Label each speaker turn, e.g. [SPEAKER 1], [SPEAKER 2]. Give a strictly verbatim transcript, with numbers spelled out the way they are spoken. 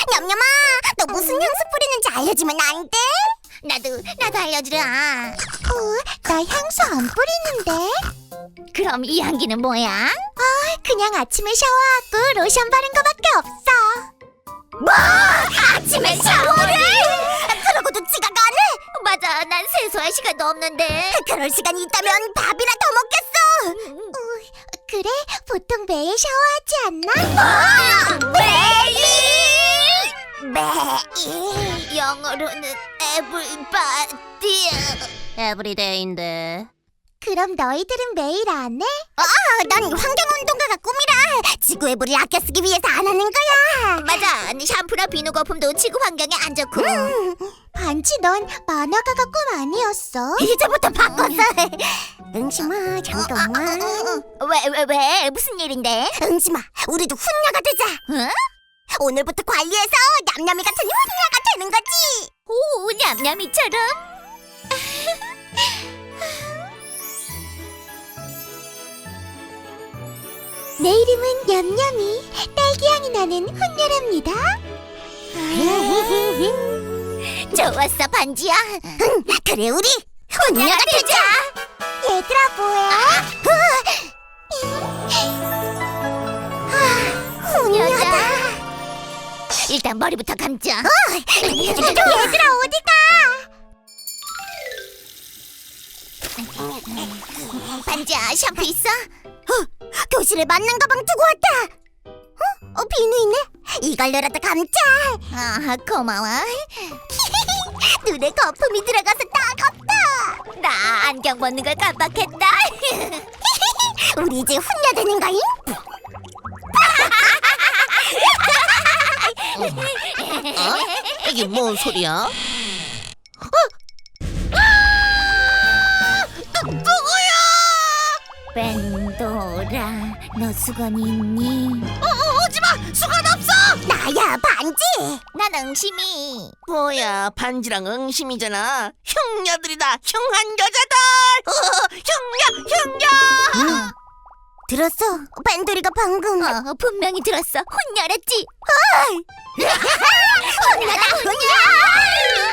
[SPEAKER 1] 냠냠아, 너 무슨 향수 뿌리는지 알려주면 안 돼?
[SPEAKER 2] 나도 나도 알려주라.
[SPEAKER 1] 어, 나 향수 안 뿌리는데?
[SPEAKER 2] 그럼 이 향기는 뭐야?
[SPEAKER 1] 그냥 아침에 샤워하고 로션 바른 거밖에 없어. 뭐? 아침에 샤워를? 그러고도 지각 안 해?
[SPEAKER 2] 맞아, 난 세수할 시간도 없는데.
[SPEAKER 1] 그럴 시간이 있다면 밥이나 더 먹겠어. 어, 그래? 보통 매일 샤워하지 않나? 매일! 매일.
[SPEAKER 2] 영어로는 everybody. 에브리데이인데.
[SPEAKER 1] 그럼 너희들은 매일 안 해? 아, 난 환경운동가가 꿈이라 지구의 물을 아껴 쓰기 위해서 안 하는 거야.
[SPEAKER 2] 맞아, 샴푸나 비누 거품도 지구 환경에 안 좋고.
[SPEAKER 1] 음, 반지 넌 만화가가 꿈 아니었어? 이제부터 바꿨어. 응심아, 잠깐만.
[SPEAKER 2] 왜, 왜, 왜? 무슨 일인데?
[SPEAKER 1] 응심아, 우리도 훈녀가 되자.
[SPEAKER 2] 응?
[SPEAKER 1] 오늘부터 관리해서 냠냠이 같은 훈녀가 되는 거지.
[SPEAKER 2] 오, 냠냠이처럼.
[SPEAKER 1] 내 이름은 냠냠이, 딸기향이 나는 훈녀랍니다.
[SPEAKER 2] 좋았어, 반지야.
[SPEAKER 1] 응, 그래 우리 훈녀가 되자. 얘들아 뭐야? 아, 훈녀다.
[SPEAKER 2] 일단 머리부터 감자.
[SPEAKER 1] 얘들아 어디가?
[SPEAKER 2] 반지야, 샴푸 있어?
[SPEAKER 1] 어, 교실에 맞는 가방 두고 왔다. 어? 어 비누 있네. 이걸로라도 감자.
[SPEAKER 2] 아, 고마워.
[SPEAKER 1] 눈에 거품이 들어가서 따갑다.
[SPEAKER 2] 나 안경 벗는 걸 깜빡했다.
[SPEAKER 1] 우리 이제 훈녀 되는 거임?
[SPEAKER 3] 어? 이게 뭔 소리야?
[SPEAKER 2] 벤도라, 너 수건 있니?
[SPEAKER 3] 오지마! 수건 없어!
[SPEAKER 1] 나야 반지.
[SPEAKER 2] 난 응심이.
[SPEAKER 3] 뭐야, 반지랑 응심이잖아. 흉녀들이다, 흉한 여자들! 어, 흉녀, 흉녀!
[SPEAKER 1] 들었어? 밴돌이가 방금.
[SPEAKER 2] 어, 분명히 들었어. 혼녀랬지?
[SPEAKER 1] 훈녀다 훈녀.